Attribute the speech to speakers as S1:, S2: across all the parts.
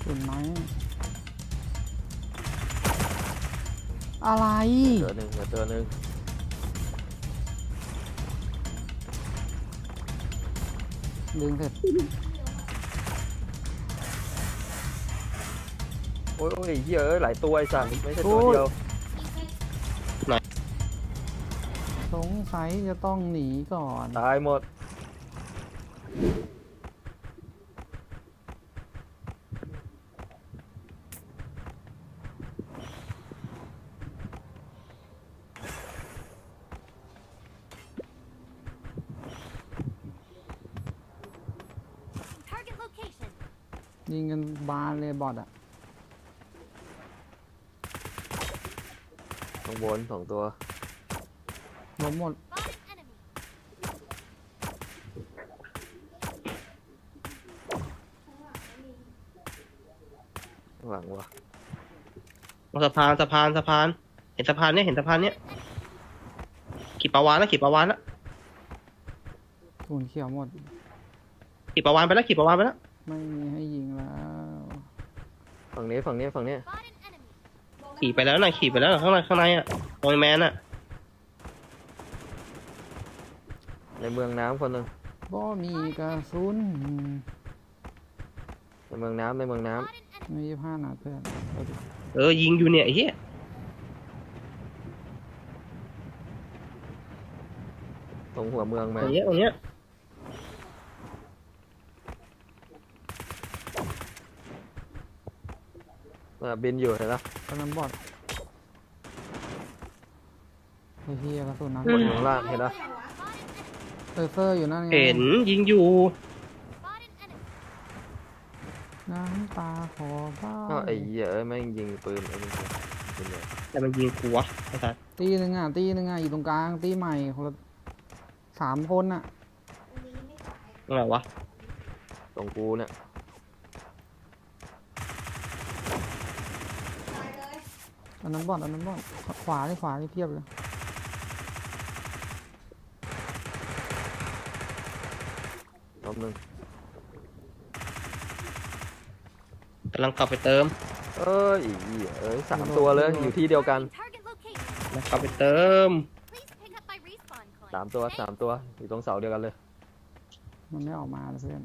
S1: ตุ่นไหมอะไร
S2: ตัวหนึ่งตัวหนึ่ง
S1: ดึงเสร็จ
S2: โอ้ยเยอะหลายตัวไอ้สัตว์ไม่ใช่ตัวเดียว
S1: สงสัยจะต้องหนีก่อน
S2: ตายหมด
S1: ยิงกันบานเลยบอทอะ
S2: ข้างบน2 ตัว
S1: ล้มหมด
S2: หวังวะ
S3: สะพานเห็นสะพานเนี่ยขี่ปลาวานนะ
S1: ตุ่นเขียวหมด
S3: ขี่ปลาวานไปแล้ว
S1: ไม่มีให้ยิงแล้ว
S2: ฝั่งนี้
S3: ขี่ไปแล้วนะข้างในอ่ะโอยแมนอ่ะ
S2: ในเมืองน้ำคนหนึ่ง
S1: บ่มีกระสุน
S2: ในเมืองน้ำ
S1: มี25 นัดเพื่อน
S3: ยิงอยู่เนี่ยไอ้เหี้ย
S2: ตรงหัวเมืองมา
S3: ตรงเนี้ย
S2: บินอยู่เห็นปะ
S1: กำลังบอทไอ้เหี้ยกระสุนนัด
S2: บนข้างล่างเห็นปะ
S1: เซอร์อยู่นั่นไง
S3: เห็นยิงอยู่
S1: น้ำตาขอบ้า
S2: ก็ไอ้เหี้ยแม่งยิงปืนไอ้นี่ปืนใหญ่
S3: แต่มันยิงกูวะไอ้สัส
S1: ตีหนึ่งอ่ะอยู่ตรงกลางตีใหม่คนละ3 คนอ่ะ
S3: อะไรวะ
S2: ตรงกูเนี่ย
S1: อันนั้นบอทขวานี่เพียบเลย
S2: รอบหนึ่ง
S3: กำลังกลับไปเติม
S2: เอ้ย3 ตัวเลยอยู่ที่เดียวกัน3 ตัวอยู่ตรงเสาเดียวกันเลย
S1: มันไม่ออกมาเลยเพื่อน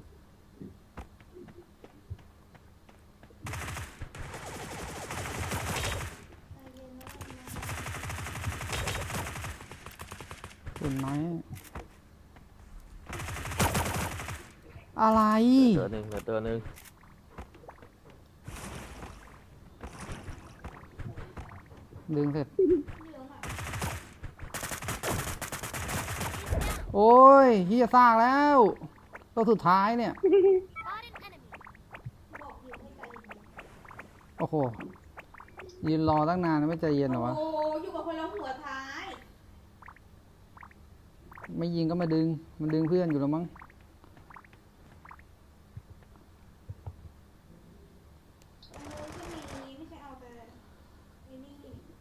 S1: ตุ่นไหมอะไร
S2: ตัวหนึ่ง
S1: ดึงเสร็จโอ้ยเฮียซากแล้วตัวสุดท้ายเนี่ยโอ้โหยืนรอตั้งนานไม่ใจเย็นเหรอวะ
S4: โอ้อยู่กับคนเราหัวท้าย
S1: ไม่ยิงก็มาดึงมันดึงเพื่อนอยู่แล้วมั้ง
S4: ไม่ใช่เอาแต่นี่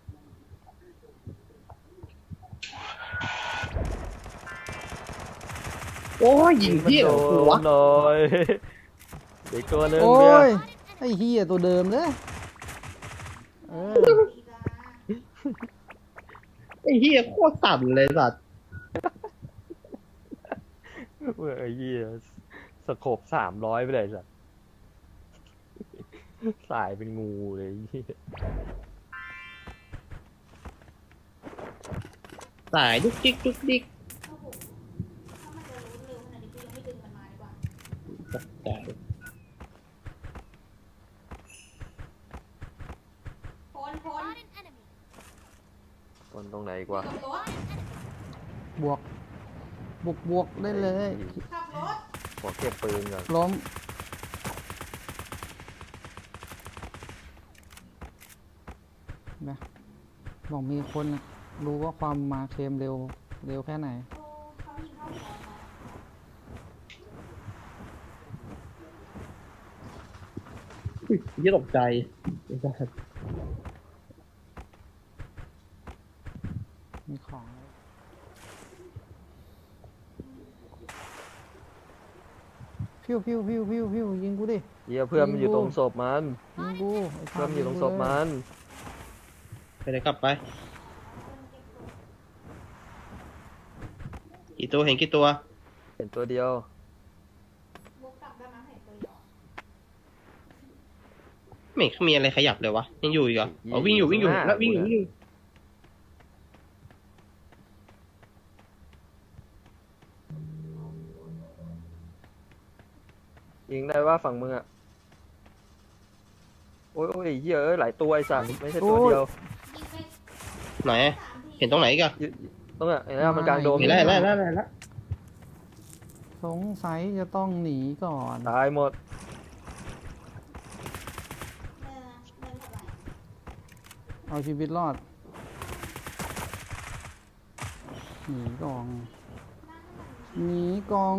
S3: โอ้ยยิงพี่เหรอกูวะ
S2: หน่อยเด็กตัวหนึ่ง
S1: โอ้
S2: เนี่ย
S1: ยไอ้เฮียตัวเดิมเลยเออ
S3: ไอ้เหี้ยโคตรสั่นเลยสัส
S2: ไอ้เหี้ยสโคบ300ไปเลยสัสสายเป็นงูเลยไอ้เหี้ย
S3: สายดุกดิก
S4: ถ้ามันจะรู้เร็วขนาดนี้กูยังไม่ดึงมันมาดีกว่า
S3: ตกใจ
S4: คน
S2: ตรงไหนกว่า
S4: ขับรถ
S1: บวกได้เลย
S4: ขับรถ
S2: ขอเก็บปืนก่อน
S1: ล้มนะบอกมีคนนะรู้ว่าความมาเคมเร็วแค่ไหน
S4: โอ้เขายิงเข้าหัวมา
S3: อุ้ยเหี้ยตกใจไอ้สัส
S1: มีของพี่พิวพิวพิวพิวพิวยิงกูดิ
S2: เหี้ยเพื่อนมันอยู่ตรงศพมัน
S1: ยิงกูไอ้
S2: เพื่อนมันอยู่ตรงศพมัน
S3: ไปไหนกลับไป กี่ตัวเห็นกี่ตัว
S2: เห็นตัวเดียว
S4: วกกลับได้ไหมเห็นตัวเดียว
S3: ไม่เห็นมีอะไรขยับเลยวะยังอยู่อีกเหรออ๋อวิ่งอยู่วิ่งอยู่แล้ววิ่งอยู่วิ่งอยู่
S2: ยิงได้ว่าฝั่งมึงอะโอ้ยโอ้ยเหี้ยเอ้ยหลายตัวไอ้สัตว์ไม่ใช่ตัวเดียว
S4: ยิงไป
S3: ไหน
S4: 3 ที
S3: เห็นตรงไหนอีกัน
S2: ต้องอะเห็นไหมมันกลางโดม
S3: เห็นแล้วเห็นแล้วเห็นแล้วเห็นแล้ว
S1: สงสัยจะต้องหนีก่อน
S2: ตายหมด
S4: เดินเท่าไหร่
S1: เอาชีวิตรอดหนีกองหนีกอง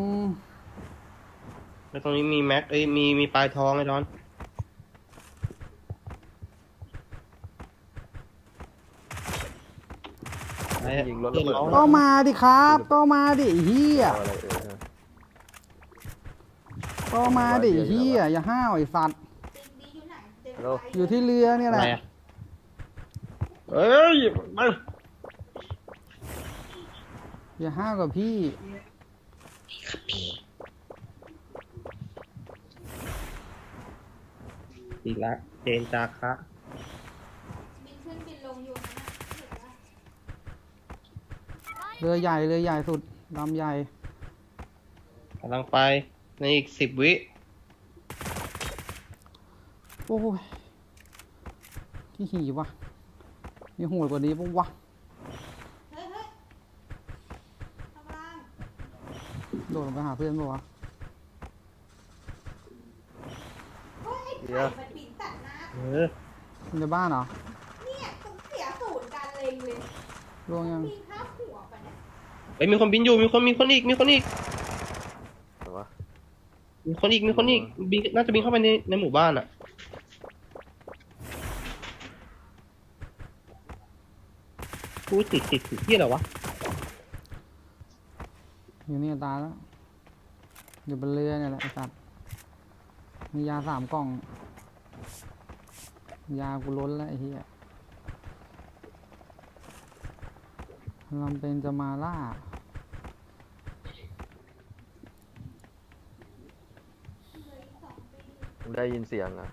S3: แล้วตรงนี้มีแม็กเอ้ยมีปลายทองไอ้ดอนไอ้
S2: ยิงรถระเบิด
S1: ก็มาดิครับก็มาดิไอ้เฮีย
S2: เอาอะไร
S1: ก็มาดิไอ้เฮียอย่าห้าวไอ้สัตว์
S4: ดีอยู่ไหนเดิน
S2: ฮัลโหล
S4: ไป
S1: อยู่ที่เรือเนี่ย
S3: อะ
S1: แห
S3: ไร
S1: ละ
S3: อะเอ้ยมา
S1: อย่าห้าวกับพี่
S3: อีกแล้วเจนจาคะ
S4: บินขึ้นบินลงอยู่นั่นน่ะเห็นปะ
S1: เรือใหญ่สุดลำใหญ่
S3: กำลังไปในอีก10 วิ
S1: โอ้ยที่หีวะมีโหดกว่านี้ปะวะ
S4: เฮ้ยข้างล่าง
S1: โดดลงไปหาเพื่อนปะวะ
S4: เฮ้ยไอ้
S2: เดี๋ยว
S4: ไข่มันบินตัดหน้า
S3: เออ
S1: ในบ้านเหรอ
S4: เนี่ยต้องเสียศูนย์การเล็งเลย
S1: ล่วงยัง
S4: มีข้าวหัวไปเนี่ย
S3: เฮ้ยมีคนบินอยู่มีคนอีก
S2: แต่ว่า
S3: มีคนอีกบินน่าจะบินเข้าไปในหมู่บ้านอ่ะกูติดที่อะไรวะ
S1: อยู่นี่ตายแล้วอยู่บนเรือเนี่ยแหละไอ้สัตว์มียา3 กล่อง ยากูล้นแล้วไอ้เหี้ยลำเป็นจะมาล่า
S2: มึงได้ยินเสียงอะ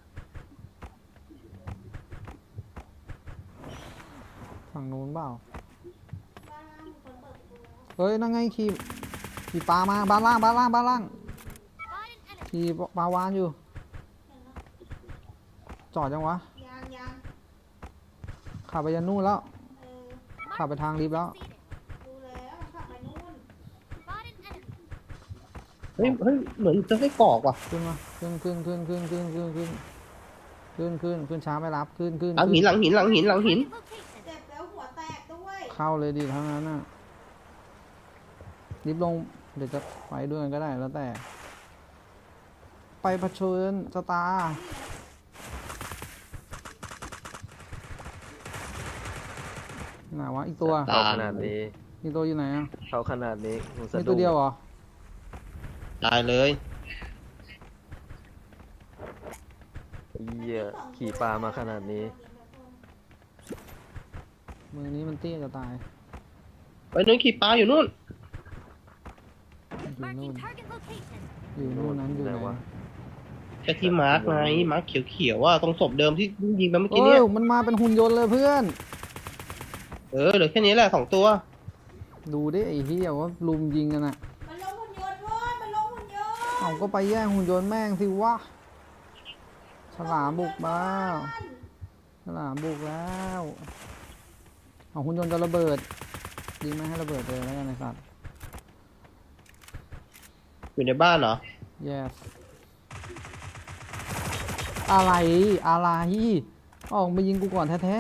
S1: ฝั่งนู้นเปล่า
S4: บ้านล่างมีคนเปิดประตูแล้ว
S1: เฮ้ย นั่งไงขี่ปลามาบ้านล่างขี่ปลาวานอยู่
S4: เห็นแล้ว
S1: จอดยังวะ
S4: ยัง
S1: ขับไปยันนู่นแล้ว
S4: เออ
S1: ขับไปทางลิฟต์แล้ว
S4: ดูแล้วขับไปนู่น
S3: เฮ้ยเหมือนจะให้กรอกว่ะ
S1: ขึ้นมาขึ้นช้าไม่รับขึ้น
S3: หลังหิน
S4: เจ็บแล้วหัวแตกด้วย
S1: เข้าเลยดิทั้งนั้นน่ะลิฟต์ลงเดี๋ยวจะไปด้วยกันก็ได้แล้วแต่ ไปเผชิญชะตาไหนวะอีกตัว
S2: เข้าขนาดนี้
S1: อีกตัวอยู่ไหนอ่ะ
S2: เข้าขนาดนี้มึงสะ
S1: มี
S2: ดุ้
S1: ตัว
S2: ง
S1: เดียวเหรอ
S3: ตายเลย
S2: ไอ้เหี้ยขี่ปลามาขนาดนี้
S1: มือนี้มันเตี้ยจะตาย
S3: ไปนู้นขี่ปลาอยู่นู่น
S1: อยู่นู่นนั้นอยู่ไหน
S2: ไหนวะ
S3: แค่ที่มาร์กไงมาร์กเขียวๆว่าตรงศพเดิมที่ยิงไปเมื่อกี้
S1: เอ้
S3: เนี่ย
S1: ยมันมาเป็นหุ่นยนต์เลยเพื่อน
S3: เหลือแค่นี้แหละ2 ตัว
S1: ดูดิไอ้เหี้ยว่าลุมยิงกันอ่ะ
S4: มันลงหุ่นยนต์เว้ยมันลงหุ่นยนต์
S1: เอาก็ไปแย่งหุ่นยนต์แม่งสิวะฉลามบุกมาฉลามบุกแล้วเอาหุ่นยนต์จะระเบิดยิงไม่ให้ระเบิดเลยแล้วกันไอ้สัตว์
S3: อยู่ในบ้านเหรอ
S1: yes อะไรออกมายิงกูก่อนแท้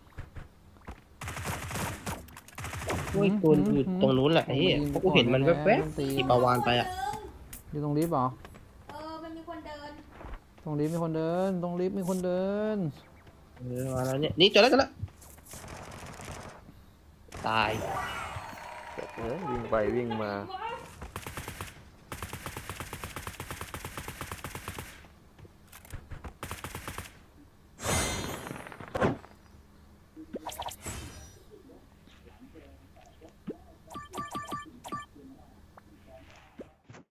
S3: โอ้ยตัวอยู่ตรงนู้นแหละไอ้เหี้ยเพราะกูเห็นมันแวบๆขี่ปลาวานไปอ่ะ
S1: ๆอยู่ตรงลิฟต์เหรอ
S4: มันมีคนเดิน
S1: ตรงลิฟต์มีคนเดิน ตรงลิฟต์มีคนเดิน
S3: มาแล้วเนี่ยนี่เจอแล้วตาย
S2: วิ่งไปวิ่งมา
S4: ว้าย